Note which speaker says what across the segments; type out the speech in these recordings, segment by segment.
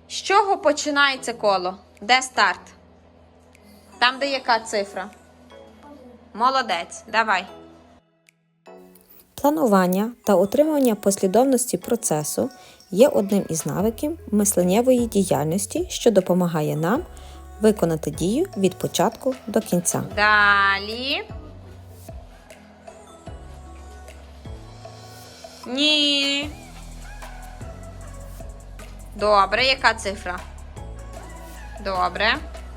Speaker 1: З чого починається коло? Де старт? Там, де яка цифра? Молодець, давай.
Speaker 2: Планування та утримування послідовності процесу є одним із навиків мисленнєвої діяльності, що допомагає нам виконати дію від початку до кінця.
Speaker 1: Далі. Ні. Добре, яка цифра? Добре.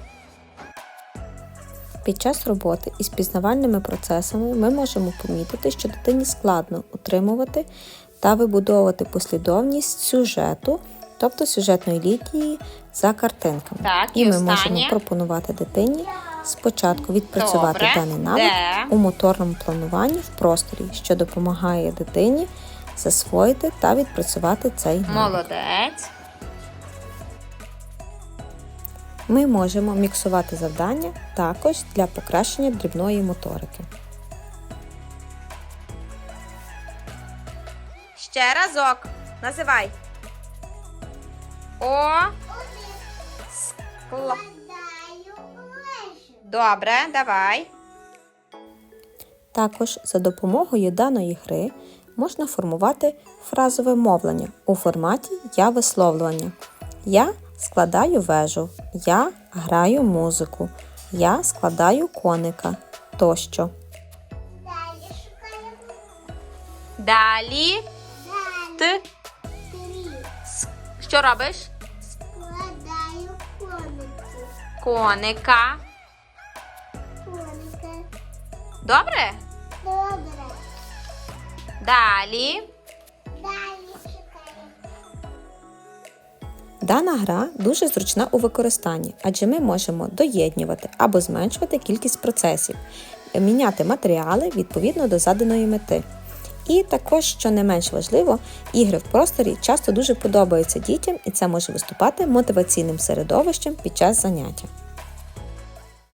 Speaker 2: Під час роботи із пізнавальними процесами ми можемо помітити, що дитині складно утримувати та вибудовувати послідовність сюжету, тобто сюжетної лінії за картинками.
Speaker 1: Так,
Speaker 2: і
Speaker 1: і
Speaker 2: ми
Speaker 1: останнє.
Speaker 2: можемо пропонувати дитині спочатку відпрацювати
Speaker 1: Добре.
Speaker 2: даний навик
Speaker 1: Де?
Speaker 2: у моторному плануванні в просторі, що допомагає дитині засвоїти та відпрацювати цей навик.
Speaker 1: Молодець.
Speaker 2: Ми можемо міксувати завдання також для покращення дрібної моторики.
Speaker 1: Ще разок. Називай. О. Скло. Добре, давай.
Speaker 2: Також за допомогою даної гри можна формувати фразове мовлення у форматі я-висловлювання. Я складаю вежу, я граю музику, я складаю коника тощо.
Speaker 1: Далі. Ти. Що робиш?
Speaker 3: Складаю
Speaker 1: Коника.
Speaker 3: коника.
Speaker 1: Добре?
Speaker 3: Добре.
Speaker 1: Далі.
Speaker 3: Далі шукаю.
Speaker 2: Дана гра дуже зручна у використанні, адже ми можемо доєднювати або зменшувати кількість процесів, міняти матеріали відповідно до заданої мети. І також, що не менш важливо, ігри в просторі часто дуже подобаються дітям, і це може виступати мотиваційним середовищем під час заняття.